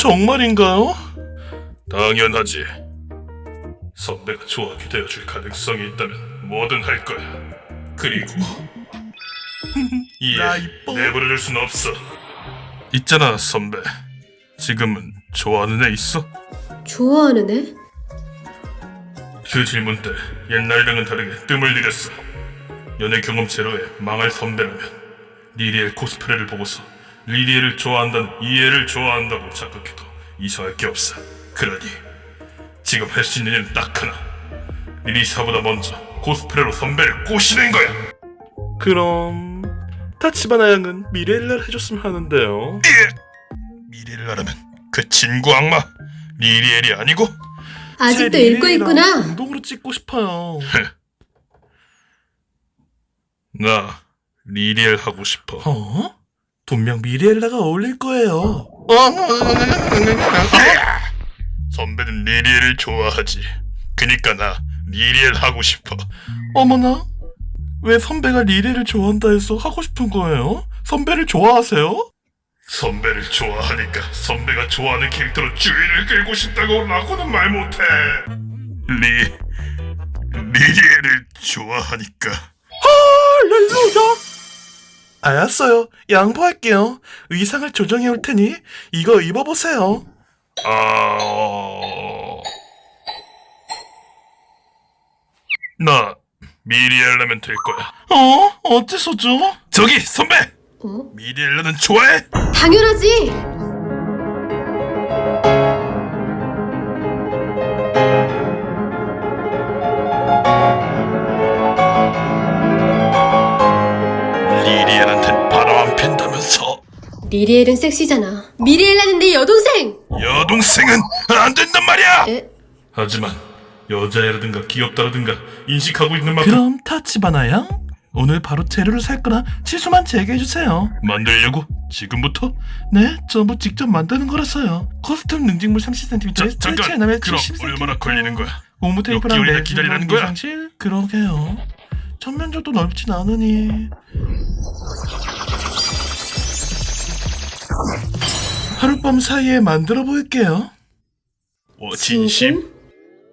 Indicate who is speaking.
Speaker 1: 정말인가요? 당연하지. 선배가 좋아하게 되어줄 가능성이 있다면 뭐든 할 거야. 그리고
Speaker 2: 나
Speaker 1: 이해
Speaker 2: 이뻐.
Speaker 1: 내버려둘 순 없어. 있잖아 선배, 지금은 좋아하는 애 있어?
Speaker 3: 좋아하는 애?
Speaker 1: 그 질문 때 옛날이랑은 다르게 뜸을 들였어. 연애 경험 제로에 망할 선배라면 리리엘 코스프레를 보고서 리리엘을 좋아한다는 이 애를 좋아한다고 착각해도 이상할 게 없어. 그러니 지금 할 수 있는 일은 딱 하나. 리리사보다 먼저 코스프레로 선배를 꼬시는 거야.
Speaker 2: 그럼 타치바나 양은 미래일날 해줬으면 하는데요.
Speaker 1: 미래를 알아면 그 친구 악마 리리엘이 아니고
Speaker 3: 아직도
Speaker 2: 제
Speaker 3: 읽고
Speaker 2: 리레이랑
Speaker 3: 있구나.
Speaker 2: 공동으로 찍고 싶어요.
Speaker 1: 나 리리엘 하고 싶어.
Speaker 2: 어? 분명 미리엘라가 어울릴 거예요.
Speaker 1: 선배는 리리엘을 좋아하지. 그니까 나 리리엘 하고 싶어.
Speaker 2: 어머나? 왜 선배가 리레를 좋아한다 해서 하고 싶은 거예요? 선배를 좋아하세요?
Speaker 1: 선배를 좋아하니까 선배가 좋아하는 캐릭터로 주의를 끌고 싶다고 라고는 말 못해. 리리엘을 좋아하니까.
Speaker 2: 할렐루야! 알았어요. 양보할게요. 의상을 조정해 올 테니 이거 입어보세요.
Speaker 1: 나 미리엘라면 될 거야.
Speaker 2: 어째서죠?
Speaker 1: 저기 선배!
Speaker 3: 어?
Speaker 1: 미리엘라는 좋아해?
Speaker 3: 당연하지.
Speaker 1: 리리엘한텐 바람 안 핀다면서.
Speaker 3: 리리엘은 섹시잖아. 미리엘라는 내 여동생.
Speaker 1: 여동생은 안 된단 말이야!
Speaker 3: 에?
Speaker 1: 하지만 여자애라든가 귀엽다라든가 인식하고 있는 만큼
Speaker 2: 그럼 타치바나 양? 오늘 바로 재료를 살 거라 치수만 제게해주세요.
Speaker 1: 만들려고? 지금부터?
Speaker 2: 네, 전부 직접 만드는 거라서요. 커스텀 능직물 30cm에
Speaker 1: 잠깐!
Speaker 2: 스트레치
Speaker 1: 그럼
Speaker 2: 70cm.
Speaker 1: 얼마나 걸리는 거야?
Speaker 2: 고무
Speaker 1: 몇
Speaker 2: 테이프랑
Speaker 1: 개월이나
Speaker 2: 매직
Speaker 1: 기다리라는 거야?
Speaker 2: 미상실? 그러게요. 전면적도 넓진 않으니 하룻밤 사이에 만들어 볼게요.
Speaker 1: 진심?